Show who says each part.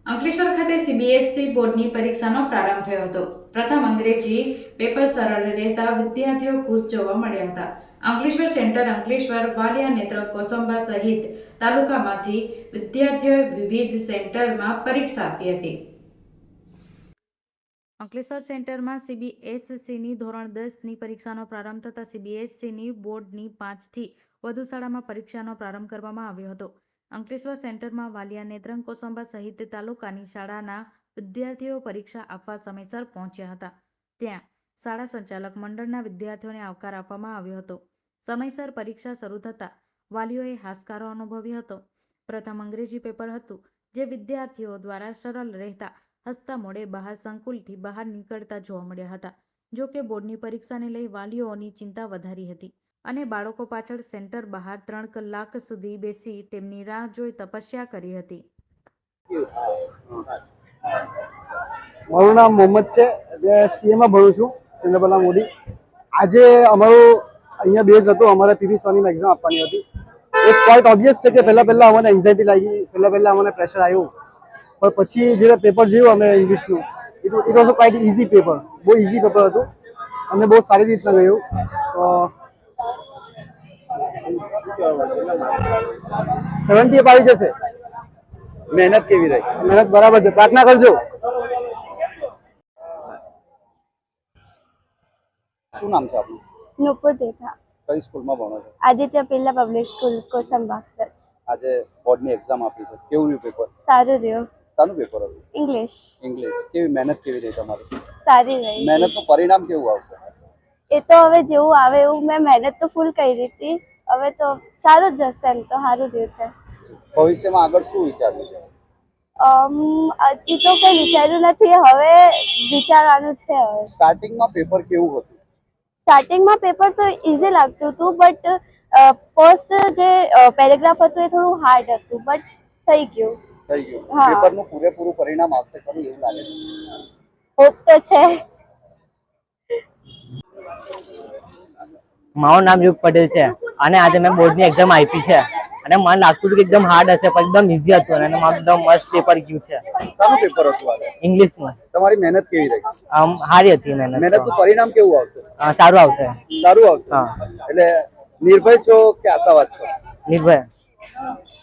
Speaker 1: અંકલેશ્વર ખાતે સીબીએસઈ બોર્ડની પરીક્ષાનો પ્રારંભ થયો હતો. પ્રથમ અંગ્રેજી પેપર સરળ રહેતા વિદ્યાર્થીઓ ખુશ જોવા મળ્યા હતા. અંકલેશ્વર સેન્ટર, અંકલેશ્વર, વાલિયા, નેત્ર, કોસંબા સહિત તાલુકામાંથી વિદ્યાર્થીઓએ વિવિધ સેન્ટરમાં પરીક્ષા આપી હતી. અંકલેશ્વર સેન્ટરમાં સીબીએસઈની ધોરણ 10ની પરીક્ષાનો પ્રારંભ થતાં સીબીએસઈની બોર્ડની 5થી વધુ શાળામાં પરીક્ષાનો પ્રારંભ કરવામાં આવ્યો હતો. અંકલેશ્વર સેન્ટરમાં વાલિયા, નેત્રંગ, કોસંબા સહિત તાલુકાની શાળાના વિદ્યાર્થીઓ પરીક્ષા આપવા સમયસર પહોંચ્યા હતા. ત્યાં શાળા સંચાલક મંડળના વિદ્યાર્થીઓને આવકાર આપવામાં આવ્યો હતો. સમયસર પરીક્ષા શરૂ થતાં વાલીઓએ હાશકારો અનુભવ્યો હતો. પ્રથમ અંગ્રેજી પેપર હતું, જે વિદ્યાર્થીઓ દ્વારા સરળ રહેતા હસતા મોઢે બહાર સંકુલથી બહાર નીકળતા જોવા મળ્યા હતા. જો કે બોર્ડની પરીક્ષાને લઈ વાલીઓની ચિંતા વધારી હતી અને બાળકો પાછળ સેન્ટર બહાર 3 કલાક સુધી બેસી તેમની રાહ જોઈ તપસ્યા કરી હતી.
Speaker 2: મારું નામ મોહમ્મદ છે. સીએમાં ભણું છું, ચંદ્રબલા મોદી. આજે અમારું અહીંયા બેઝ હતો, અમારે પીવી સોનીમાં એક્ઝામ આપવાની હતી. એક પોઈન્ટ ઓબ્વિયસ છે કે પહેલાં અમને એન્ઝાયટી લાગી, પહેલાં અમને પ્રેશર આવ્યું. પણ પછી જ્યારે પેપર જોયું અમે ઇંગ્લિશનું, it was a quite easy paper. બહુ ઇઝી પેપર હતું અને બહુ સારી રીતના ગયું. તો 70 અપ આવી જશે.
Speaker 3: મહેનત કેવી રહી?
Speaker 2: મહેનત બરાબર છે, પ્રાર્થના કરજો.
Speaker 3: શું નામ છે આપનું?
Speaker 4: નુપુર દેથા.
Speaker 3: કઈ સ્કૂલમાં ભણો છો?
Speaker 4: Aditya Pilla public school, Kosamba.
Speaker 3: આજે બોર્ડની એક્ઝામ આપી છે, કેવું રહ્યું પેપર?
Speaker 4: સારું રહ્યું.
Speaker 3: શાનું પેપર હતું?
Speaker 4: ઇંગ્લિશ.
Speaker 3: ઇંગ્લિશ. કેવી મહેનત કેવી રહી તમારી?
Speaker 4: સારી રહી.
Speaker 3: મહેનતનું પરિણામ કેવું આવશે?
Speaker 4: એ તો હવે જેવું આવે એવું. મેં મહેનત તો ફૂલ કરી હતી, હવે તો સારું જ જશે. એમ તો સારું રહ્યું છે.
Speaker 3: ભવિષ્યમાં આગળ શું વિચાર્યું છે?
Speaker 4: હજી તો કંઈ વિચાર્યું નથી, હવે વિચારવાનું છે. હવે
Speaker 3: સ્ટાર્ટિંગમાં પેપર કેવું હતું?
Speaker 4: સ્ટાર્ટિંગમાં પેપર તો ઇઝી લાગતું હતું, બટ ફર્સ્ટ જે પેરેગ્રાફ હતું એ થોડું હાર્ડ હતું, બટ થઈ ગયું.
Speaker 3: થઈ ગયું.
Speaker 4: હા.
Speaker 3: પેપરનું પૂરેપૂરું પરિણામ આવશે ખરું એવું લાગે છે?
Speaker 4: હોપ તો છે.
Speaker 5: મારું નામ યુગ પટેલ છે અને આજે મેં બોર્ડની એક્ઝામ આપી છે અને મને લાગતું હતું કે એકદમ હાર્ડ હશે, પણ એકદમ ઇઝી હતું અને મારું એકદમ મસ્ત પેપર ગયું છે.
Speaker 3: શાનું પેપર હતું આજે?
Speaker 5: ઇંગ્લિશનું.
Speaker 3: તમારી મહેનત કેવી રહી?
Speaker 5: સારી હતી મહેનત.
Speaker 3: મહેનતનું પરિણામ કેવું આવશે?
Speaker 5: સારું આવશે.
Speaker 3: સારું આવશે.
Speaker 5: હા.
Speaker 3: એટલે નિર્ભય છો કે આશાવાદ છો?
Speaker 5: નિર્ભય.